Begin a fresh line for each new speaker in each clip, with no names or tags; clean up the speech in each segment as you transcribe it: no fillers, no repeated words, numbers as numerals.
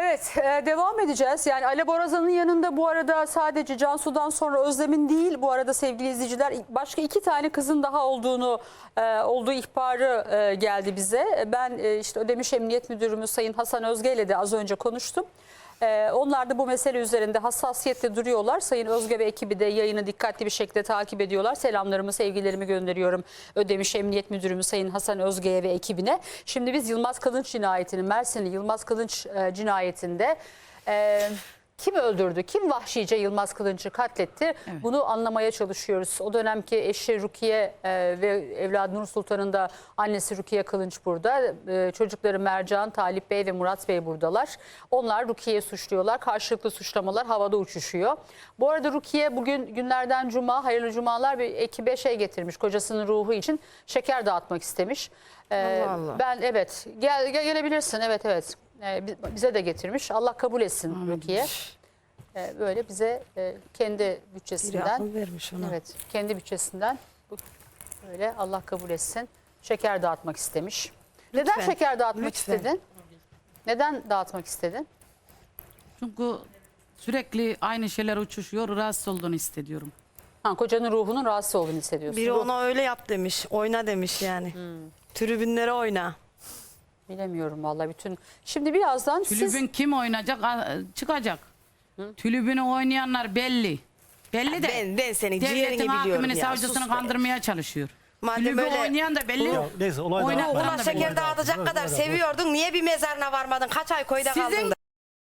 Evet, devam edeceğiz. Yani Ali Borazan'ın yanında bu arada sadece Cansu'dan sonra Özlem'in değil, bu arada sevgili izleyiciler, başka 2 tane kızın daha olduğu ihbarı geldi bize. Ben işte Ödemiş Emniyet Müdürümüz Sayın Hasan Özge ile de az önce konuştum. Onlar da bu mesele üzerinde hassasiyetle duruyorlar. Sayın Özge ve ekibi de yayını dikkatli bir şekilde takip ediyorlar. Selamlarımı, sevgilerimi gönderiyorum Ödemiş Emniyet Müdürümüz Sayın Hasan Özge'ye ve ekibine. Şimdi biz Yılmaz Kılınç cinayetinin, Mersinli Yılmaz Kılınç cinayetinde kim öldürdü, kim vahşice Yılmaz Kılınç'ı katletti? Evet. Bunu anlamaya çalışıyoruz. O dönemki eşi Rukiye ve evladı Nur Sultan'ın da annesi Rukiye Kılınç burada. Çocukları Mercan, Talip Bey ve Murat Bey buradalar. Onlar Rukiye'yi suçluyorlar. Karşılıklı suçlamalar havada uçuşuyor. Bu arada Rukiye bugün günlerden cuma, hayırlı cumalar, bir ekibe getirmiş. Kocasının ruhu için şeker dağıtmak istemiş.
Allah Allah.
Ben evet gelebilirsin, evet. Bize de getirmiş. Allah kabul etsin Rukiye. Böyle bize kendi bütçesinden
vermiş ona.
Evet, kendi bütçesinden böyle Allah kabul etsin. Şeker dağıtmak istemiş.
Lütfen.
Neden şeker dağıtmak
Lütfen.
istedin? Neden dağıtmak istedin?
Çünkü sürekli aynı şeyler uçuşuyor, rahatsız olduğunu hissediyorum.
Kocanın ruhunun rahatsız olduğunu hissediyorsun.
Biri ona öyle yap demiş. Oyna demiş yani. Tribünlere oyna.
Bilemiyorum vallahi bütün. Şimdi birazdan
Tülübün kim oynayacak? Çıkacak. Tülübünü oynayanlar belli. Belli de.
Ben senin ciğerini
Devletin
biliyorum
hakimini,
ya.
savcısını
Sus be.
kandırmaya çalışıyor.
Madem
Tülübü
öyle
oynayan da belli.
Ya, neyse, olay da-
Oynatan
ulan
da
şeker
belli.
dağıtacak kadar seviyordun. Niye bir mezarına varmadın? Kaç ay koyda kaldın da?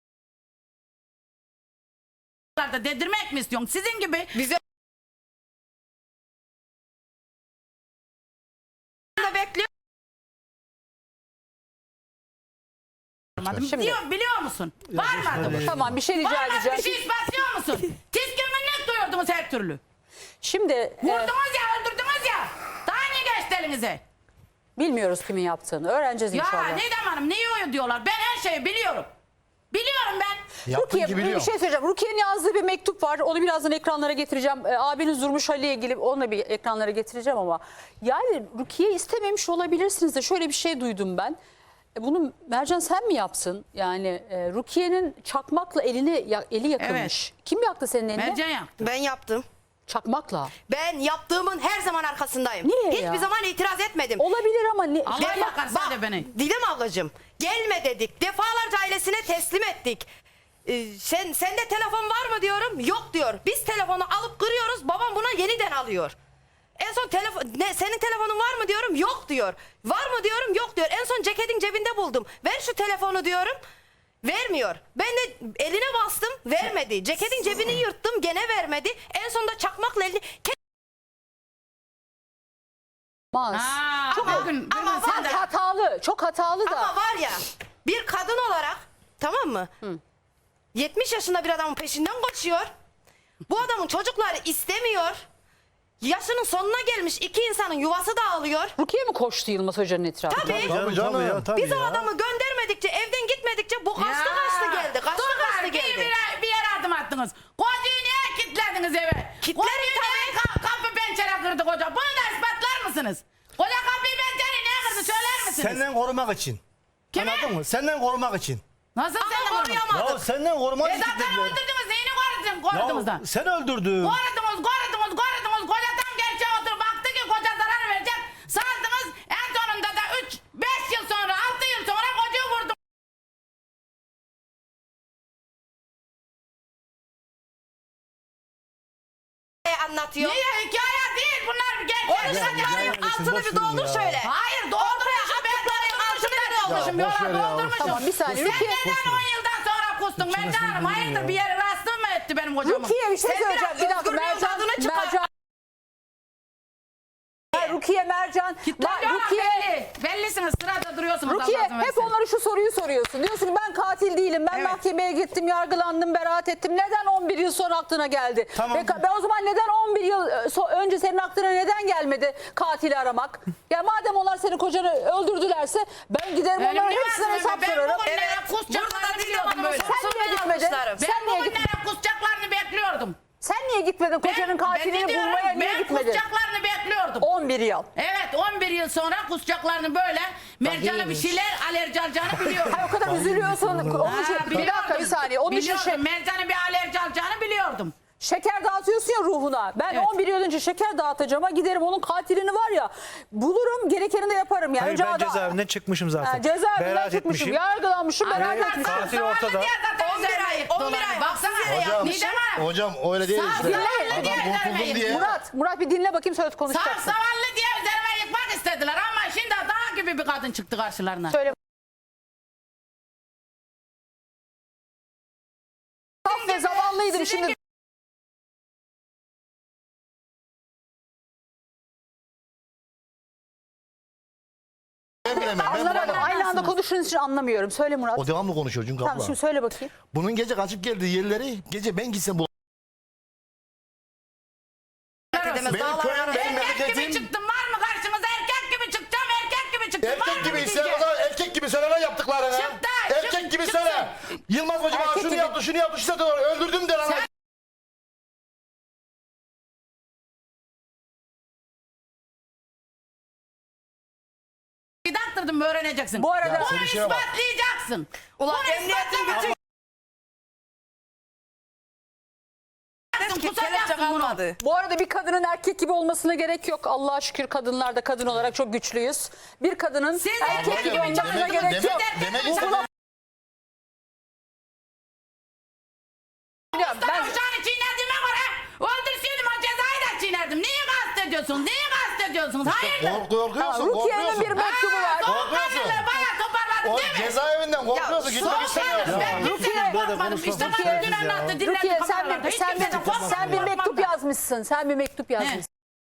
Da dedirmek mi istiyorsun? Sizin gibi
Bize da bekliyor.
Şimdi-
biliyor musun? Varmadı mı?
tamam bir şey rica
Varmadı,
edeceğim.
bir şey ispatlıyor musun? Tiskinlik duyuyordunuz her türlü.
Şimdi
Vurdunuz ya, öldürdünüz ya. Daha ne geçti elinize?
bilmiyoruz kimin yaptığını. Öğreneceğiz
Ya
inşallah.
Nidem Hanım niye öyle diyorlar? Ben her şeyi biliyorum. Biliyorum ben.
Yaptığın
Rukiye,
gibi
bir
biliyorum.
şey söyleyeceğim. Rukiye'nin yazdığı bir mektup var. Onu birazdan ekranlara getireceğim. Abiniz Durmuş Ali'ye ilgili onu da bir ekranlara getireceğim ama. Yani Rukiye istememiş olabilirsiniz de şöyle bir şey duydum ben. Bunu Mercan sen mi yaptın? Yani Rukiye'nin çakmakla eli yakılmış.
Evet.
Kim yaktı senin elini?
Mercan yaktı.
Ben yaptım.
Çakmakla.
Ben yaptığımın her zaman arkasındayım.
Niye
Hiçbir
ya?
zaman itiraz etmedim.
Olabilir ama
Allah
Bak,
yakar sen de beni.
Didem ablacığım gelme dedik. Defalarca ailesine teslim ettik. Sende telefon var mı diyorum. Yok diyor. Biz telefonu alıp kırıyoruz. Babam buna yeniden alıyor. En son senin telefonun var mı diyorum. Yok diyor. Var mı diyorum. Yok diyor. En son ceketin cebinde buldum. Ver şu telefonu diyorum. Vermiyor. Ben de eline bastım. Vermedi. Ceketin cebini yırttım. Gene vermedi. En sonunda çakmakla elini...
Ama bugün
ama
sen de
Hatalı. Çok hatalı da.
Ama var ya bir kadın olarak tamam mı? 70 yaşında bir adamın peşinden koşuyor. Bu adamın çocukları istemiyor. Yaşının sonuna gelmiş iki insanın yuvası dağılıyor.
Rukiye mi koştu Yılmaz Hoca'nın etrafında?
Tabii.
Tabii canım ya, tabii
Biz o
ya.
adamı göndermedikçe, evden gitmedikçe bu kaçtı geldi. Kaçtı geldi.
Bir yere adım attınız. Kocuyu niye kilitlediniz eve?
Kilitledim
Kocuyu niye kapı pencere kırdı koca? Bunu da ispatlar mısınız? Koca kapıyı pencereyi niye kırdı söyler misiniz?
Senden korumak için.
Kimi?
Anladın mı? Senden korumak için.
Nasıl
Ama
seni koruyamadım?
koruyamadım.
Ya senden korumak için.
Zaten
dediler.
öldürdünüz. Neyini korudunuz da?
Ya sen öldürdün.
Korudunuz. Koca tam gerçeğe oturup baktı ki koca zarar verecek. Sardınız. En sonunda da 5 yıl sonra 6 yıl sonra kocuyu vurdum.
Anlatıyor.
Niye hikaye değil bunlar bir gerçek.
Altını bir doldur şöyle.
Hayır doldurmuşum ben tabii altını da doldurmuşum.
Ya, boş ver
Yola
ya.
doldurmuşum.
Tamam bir saniye.
Sen
Rukiye,
neden 10 yıldan sonra kustun? Ben canım hayırdır bir yere rastın mı etti benim kocamın?
Rukiye bir şey
Sen
söyleyeceğim.
biraz
Bir dakika
özgürlüğün tadını çıkar.
Mercan. Rukiye, Mercan. Rukiye,
Bellisiniz sırada duruyorsunuz.
Rukiye
Allah'ın
hep
versin.
onlara şu soruyu soruyorsun. Diyorsun ki ben katil değilim. Ben
Evet.
mahkemeye gittim, yargılandım, beraat ettim. Neden 11 yıl sonra aklına geldi?
Tamam.
Ben o zaman neden 11 yıl önce senin aklına neden gelmedi katili aramak? Ya madem onlar senin kocanı öldürdülerse ben giderim
Benim
onların
ne
hepsine
var
hesap
ben
sorarım.
bugünlere
Evet. Burada
kusacaklarını
da
biliyordum
Didem
böyle.
Hanım'ın
Sen niye gitmedin?
almışlarım.
Sen
Ben
niye gitmedin?
bugünlere kusacaklarını bekliyordum.
Sen niye gitmedin kocanın katilini bulmaya niye
ben
gitmedin?
kusacaklarını bekliyordum.
11 11 yıl.
Evet 11 yıl sonra kusacaklarını böyle Mercan'a bir şeyler alerji alacağını biliyorum.
Ha, o kadar üzülüyorsun. Onun için, bir dakika bir saniye. Onun için
Biliyordum, Mercan'a bir alerji alacağını biliyordum.
şeker dağıtıyorsun ya ruhuna. Ben
Evet.
11 yıl önce şeker dağıtacağıma giderim onun katilini var ya bulurum, gerekenini de yaparım. Yani
Hayır,
önce
ben cezaevinden çıkmışım zaten.
Cezaevinden
Beraat
çıkmışım,
etmişim.
yargılanmışım, beraat etmişim.
Katil ortada.
11 ay.
Baksana.
Hocam,
Nidem Hanım.
hocam öyle değil işte.
Dinleyin.
Adam kurtuldum diye.
Murat bir dinle bakayım sonra
Sağ
konuşacaksın.
savallı diye üzerime yıkmak istediler ama şimdi dağ gibi bir kadın çıktı karşılarına.
Söyle. Saf ve zavallıydım şimdi.
Ben bilemem. Ben
Anlamadım.
bilemem.
Aynı anda konuştuğunuz için anlamıyorum. Söyle Murat.
O devamlı konuşuyor çünkü
Tamam
abla.
şimdi söyle bakayım.
Bunun gece kaçıp geldiği yerleri gece ben gitsem bu. Benim köyüm, benim
Erkek gibi
memleketim.
çıktım var mı karşınıza erkek gibi çıkacağım erkek gibi çıktım. var
Erkek
mı
gibi
diyeceğim?
sen o zaman erkek gibi söyle lan yaptıklarını.
Çıktı,
Erkek gibi
çıksın.
söyle. Yılmaz Hoca bana
Erkek
şunu
gibi.
yaptı, şunu yaptı, şunu yaptı, öldürdüm de lan.
Sen- Bir daktırdım öğreneceksin.
Bu arada
Bunu
bir şeye bak.
ispatlayacaksın.
Ulan
Bunu
emniyetin
ispatlayacaksın. Kusacaksın bunu.
bu arada bir kadının erkek gibi olmasına gerek yok. Allah'a şükür kadınlar da kadın olarak çok güçlüyüz. Bir kadının
Siz
erkek
erkek
gibi
gibi
olmasına
demek-
gerek yok.
demek
Bu
istediğim-
buna- Ya
Ben
ben
uşağını çiğnediğime göre öldürseydim o cezayı da çiğnerdim. Neyi kastediyorsunuz? Neyi kastediyorsunuz? Hayırdır?
Korkuyorsun,
Rukiye'nin bir
korkuyorsun.
mektubu var.
Korkuyorsun.
Bayağı toparladın
O
değil mi?
cezaevinden korkuyorsun, gitmek istemiyorsun.
Ben kimseden korkmadım. İşte bana dün anlattı. Dinledim
Rukiye
kameralarda. Hiç kimseden korkmadım.
sen bir mektup yazmışsın. Sen bir mektup yazmışsın.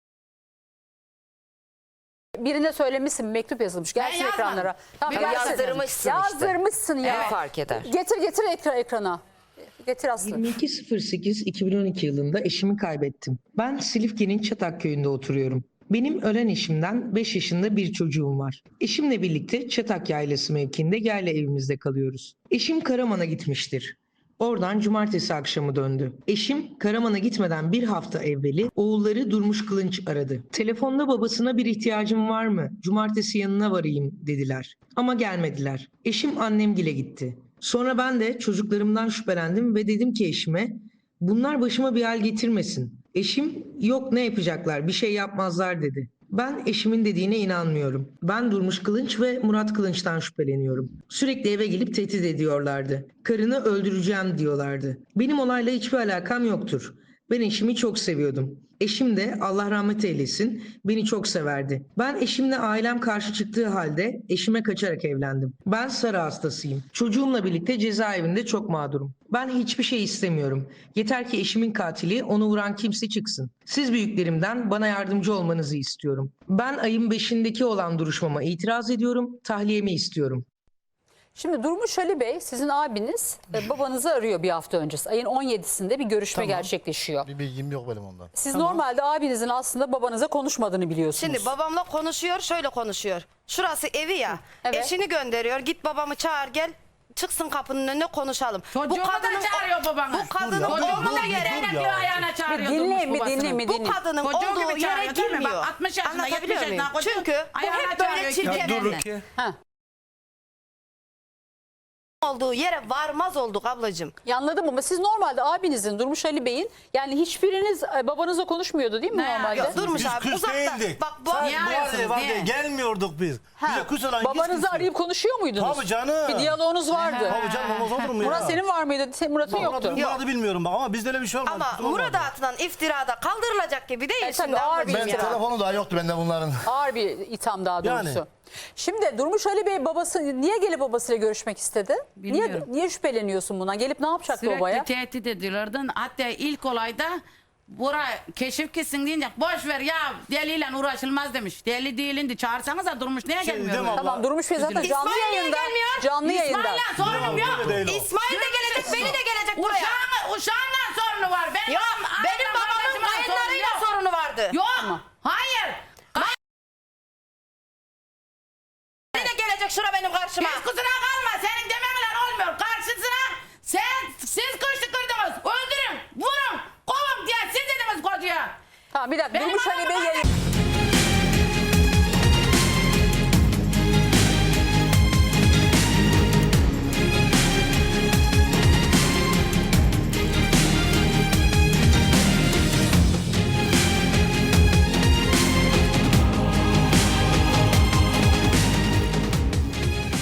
Birine söylemişsin, mektup yazılmış. Gelsin
yazmadım.
ekranlara. Tamam,
Bir
gelsin.
yazdırmışsın işte.
Yazdırmışsın ya.
Ne fark eder?
Getir ekrana. Getir Aslı.
22.08.2012 yılında eşimi kaybettim. Ben Silifke'nin Çatak köyünde oturuyorum. Benim ölen eşimden 5 yaşında bir çocuğum var. Eşimle birlikte Çatak Yaylası mevkiinde yerle evimizde kalıyoruz. Eşim Karaman'a gitmiştir. Oradan cumartesi akşamı döndü. Eşim Karaman'a gitmeden bir hafta evveli oğulları Durmuş Kılınç aradı. Telefonda babasına bir ihtiyacım var mı? Cumartesi yanına varayım dediler. Ama gelmediler. Eşim annemgile gitti. Sonra ben de çocuklarımdan şüphelendim ve dedim ki eşime bunlar başıma bir hal getirmesin. Eşim yok ne yapacaklar bir şey yapmazlar dedi. Ben eşimin dediğine inanmıyorum. Ben Durmuş Kılınç ve Murat Kılınç'tan şüpheleniyorum. Sürekli eve gelip tehdit ediyorlardı. Karını öldüreceğim diyorlardı. Benim olayla hiçbir alakam yoktur. Ben eşimi çok seviyordum. Eşim de Allah rahmet eylesin beni çok severdi. Ben eşimle ailem karşı çıktığı halde eşime kaçarak evlendim. Ben sarı hastasıyım. Çocuğumla birlikte cezaevinde çok mağdurum. Ben hiçbir şey istemiyorum. Yeter ki eşimin katili onu vuran kimse çıksın. Siz büyüklerimden bana yardımcı olmanızı istiyorum. Ben ayın 5'indeki olan duruşmama itiraz ediyorum. Tahliyemi istiyorum.
Şimdi Durmuş Ali Bey sizin abiniz babanızı arıyor bir hafta öncesi. Ayın 17'sinde bir görüşme gerçekleşiyor.
Bir bilgim yok benim ondan.
Siz normalde abinizin aslında babanıza konuşmadığını biliyorsunuz.
Şimdi babamla konuşuyor, şöyle konuşuyor. Şurası evi ya.
Evet.
Eşini gönderiyor. Git babamı çağır gel. Çıksın kapının önüne konuşalım.
Çocuğumu da çağırıyor babanız.
Bu kadının
Dur ya,
olduğu
dur,
yere
dur
Diyor
ya.
ayağına çağırıyor.
dinleyin
Durmuş babasını.
bu kadının
Çocuğu
olduğu
gibi
yere
çağırıyor, değil mi?
girmiyor.
Bak, 60 yaşında,
Anlatabiliyor
70
muyum?
yaşında koca
Çünkü bu
ayağına
hep böyle
çağırıyor,
çirkefli.
Ya dur
kendine.
Rukiye.
Ha.
Olduğu yere varmaz olduk ablacığım.
Ya anladım ama siz normalde abinizin Durmuş Ali Bey'in yani hiçbiriniz babanızla konuşmuyordu değil mi
Ne?
normalde?
Yok, Durmuş
Biz
abi
küs
uzakta.
değildik.
Bak bu
Niye arıyorsunuz,
Var
niye?
diye gelmiyorduk biz. Bize küs olan
Babanızı arayıp konuşuyor muydunuz?
Tabii canım.
Bir diyaloğunuz vardı.
Tabii canım olmaz olur mu ya?
Murat senin var mıydı? Murat'ın yoktu.
Murat'ı bilmiyorum bak ama bizde öyle bir şey olmadı.
ama
kusura bakma.
Murat'a atılan iftirada kaldırılacak gibi değil
tabii
şimdi
ağır
ablacığım
bir
Ben
ya.
telefonu daha yoktu bende bunların.
Ağır bir itham daha doğrusu.
Yani.
Şimdi Durmuş Ali Bey babası niye gelip babasıyla görüşmek istedi?
Bilmiyorum.
Niye şüpheleniyorsun bundan? Gelip ne yapacaktı
Sürekli
babaya?
tehdit ediyorlardı. Hatta ilk olayda buraya keşif kesin deyince boş ver ya deliyle uğraşılmaz demiş. Deli değilindi çağırsanıza Durmuş niye
Şey,
gelmiyor?
değil mi
böyle?
abla?
Tamam Durmuş Bey zaten
İsmail
canlı
niye
yayında.
gelmiyor?
Canlı yayında.
İsmail'le sorunum yok.
Öyle değil o.
İsmail de gelecek, beni de gelecek buraya.
Uşağınla sorunu var.
Ya benim babamın kayınlarıyla sorunu vardı.
Yok. Hayır.
Beni de gelecek şura benim karşıma.
Hiç kusura kalma. Senin demenle olmuyor. Karşısına siz kırdınız. Öldürün, vurun, kovun diye siz dediniz kocaya.
Tamam bir dakika
Benim
Durmuş Ali
anam
Bey
var ya.
yayın.